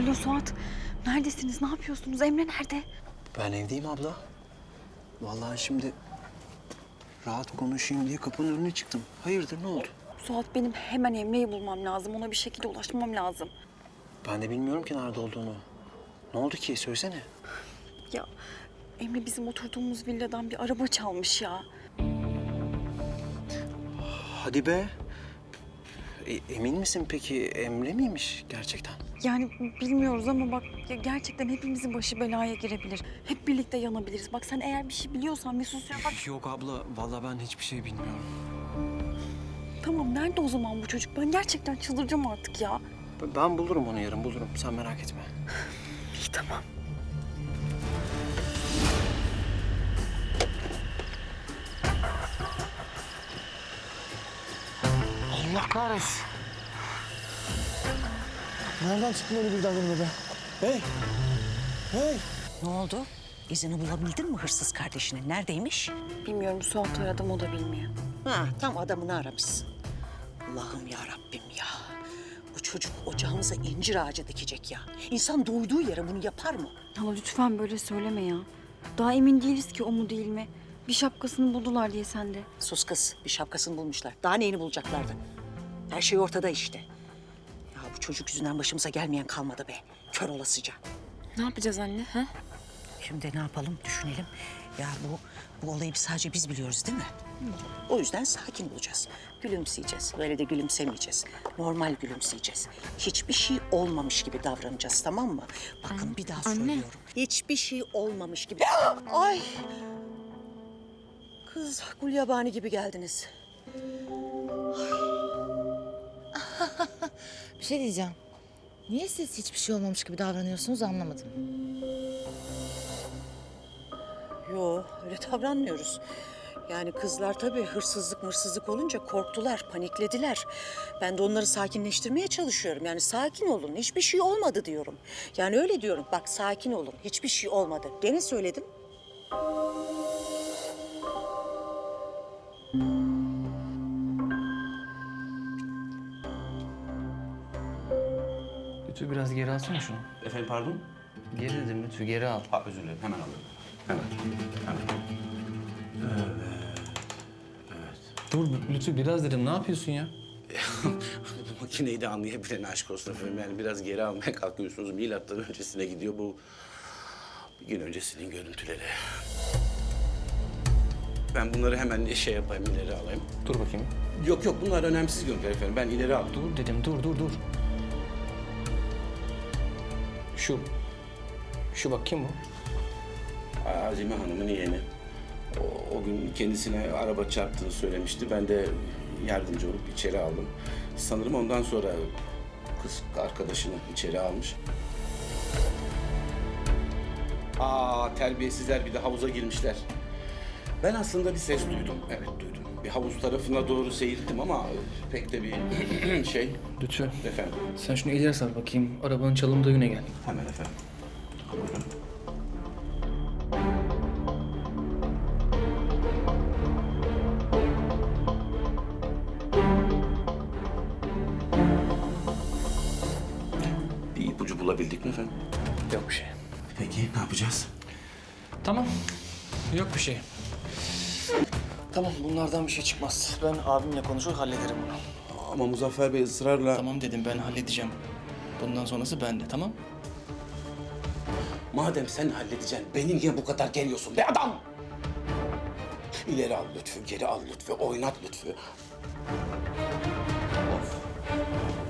Alo Suat. Neredesiniz? Ne yapıyorsunuz? Emre nerede? Ben evdeyim abla. Vallahi şimdi rahat konuşayım diye kapının önüne çıktım. Hayırdır, ne oldu? Suat benim hemen Emre'yi bulmam lazım. Ona bir şekilde ulaşmam lazım. Ben de bilmiyorum ki nerede olduğunu. Ne oldu ki? Söylesene. Ya Emre bizim oturduğumuz villadan bir araba çalmış ya. Hadi be. Emin misin peki? Emre miymiş gerçekten? Yani bilmiyoruz ama bak ya gerçekten hepimizin başı belaya girebilir. Hep birlikte yanabiliriz. Bak sen eğer bir şey biliyorsan bir sus ya bak. Yok abla. Vallahi ben hiçbir şey bilmiyorum. Tamam nerede o zaman bu çocuk? Ben gerçekten çıldıracağım artık ya. Ben bulurum onu yarın, bulurum. Sen merak etme. İyi tamam. Allah kahretsin. Nereden çıktın öyle birden önüme be? Hey! Hey! Ne oldu? İzini bulabildin mi hırsız kardeşinin? Neredeymiş? Bilmiyorum Suat aradım o da bilmiyor. Ha, tam adamını aramışsın. Allah'ım ya Rabbim ya. Bu çocuk ocağımıza incir ağacı dikecek ya. İnsan doyduğu yere bunu yapar mı? Hala lütfen böyle söyleme ya. Daha emin değiliz ki o mu değil mi? Bir şapkasını buldular diye sen de. Sus kız, bir şapkasını bulmuşlar. Daha neyini bulacaklardı? Her şey ortada işte. Ya bu çocuk yüzünden başımıza gelmeyen kalmadı be. Kör olasıca. Ne yapacağız anne? Ha? Şimdi ne yapalım düşünelim. Ya bu olayı sadece biz biliyoruz değil mi? O yüzden sakin olacağız. Gülümseyeceğiz. Böyle de gülümsemeyeceğiz. Normal gülümseyeceğiz. Hiçbir şey olmamış gibi davranacağız, tamam mı? Bakın bir daha söylüyorum. Hiçbir şey olmamış gibi. Ay! Kız gulyabani gibi geldiniz. Bir şey diyeceğim. Niye siz hiçbir şey olmamış gibi davranıyorsunuz anlamadım. Yo, öyle davranmıyoruz. Yani kızlar tabii hırsızlık olunca korktular, paniklediler. Ben de onları sakinleştirmeye çalışıyorum. Yani sakin olun, hiçbir şey olmadı diyorum. Yani öyle diyorum, bak sakin olun, hiçbir şey olmadı. Gene söyledim. Lütfü biraz geri alsana şunu. Efendim pardon? Geri dedim Lütfü, geri al. Ha, özür dilerim. Hemen alıyorum. Hemen. Dur Lütfü biraz dedim, ne yapıyorsun ya? Bu makineyi de anlayabilen aşk olsun efendim. Yani biraz geri almaya kalkıyorsunuz. Milattan öncesine gidiyor bu. Bir gün öncesinin görüntüleri. Ben bunları hemen şey yapayım, ileri alayım. Dur bakayım. Yok bunlar önemsiz görüntüler efendim. Ben ileri aldım. Dur dedim, dur. Şu bak kim bu? Azime Hanım'ın yeğeni. O gün kendisine araba çarptığını söylemişti. Ben de yardımcı olup içeri aldım. Sanırım ondan sonra kız arkadaşını içeri almış. Terbiyesizler bir de havuza girmişler. Ben aslında bir ses duydum. Evet duydum. Bir havuz tarafına doğru seyirttim ama pek de bir şey. Lütfü, Efendim. sen şunu ileri sar bakayım. Arabanın çalındığı güne gel. Hemen efendim. Buyurun. Bir ipucu bulabildik mi efendim? Yok bir şey. Peki ne yapacağız? Tamam, yok bir şey. Tamam, bunlardan bir şey çıkmaz. Ben abimle konuşur hallederim bunu. Ama Muzaffer Bey ısrarla... Tamam dedim, ben halledeceğim. Bundan sonrası bende, tamam? Madem sen halledeceksin, beni niye bu kadar geriyorsun be adam? İleri al Lütfü, geri al Lütfü, oynat Lütfü. Of.